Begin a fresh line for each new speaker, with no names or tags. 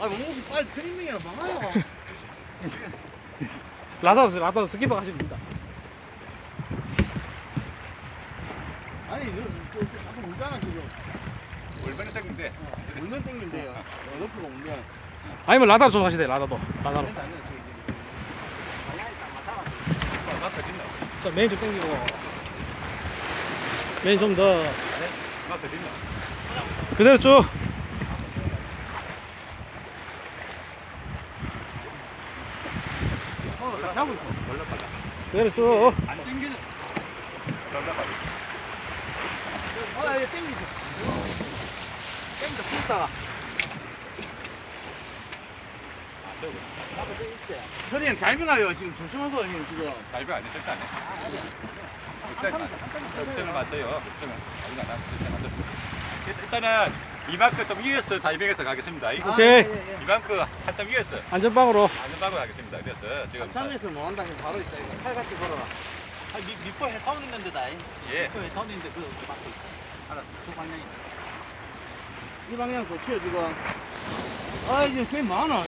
아, 몽씨 빨리 트리밍이나 막아요.
라다도 스키퍼 하시면 됩니다.
아니, 이렇게 자꾸 울잖아, 지금.
얼마나 땡긴데?
울면 땡긴대요. 옆으로 울면.
아니면 라다도 좀 하시대, 라다로.
방향이 딱 맞아가지고.
나 터진다.
자, 메인 좀 당기고. 메인 좀 더.
나 터진다.
그대로 쭉.
하고 있어.
올라가자.
그대로 쭉.
안 땡기는. 올라가자.
아, 얘 땡기죠. 땡긴다, 땡겼다가. 현이 잘 변화요. 지금 조심하세요, 형, 지금.
달배 아니 절대 안 해. 걱정을 마세요. 걱정은 아직 안 하고 절대 안 됐어. 일단은 이만큼 좀 위에서 자이백에서 가겠습니다.
오케이.
이만큼 한참 위에서
안전방으로.
안전방으로 가겠습니다. 그래서 지금
참에서 뭐 한다 해서 바로 있다, 이거. 칼같이 걸어라. 아, 미포 해타운 있는 데다.
예.
미포 해타운 있는데, 그 막고 있다. 알았어. 그 방향이. 이 방향 좋지요, 지금. 아, 이제 꽤 많아.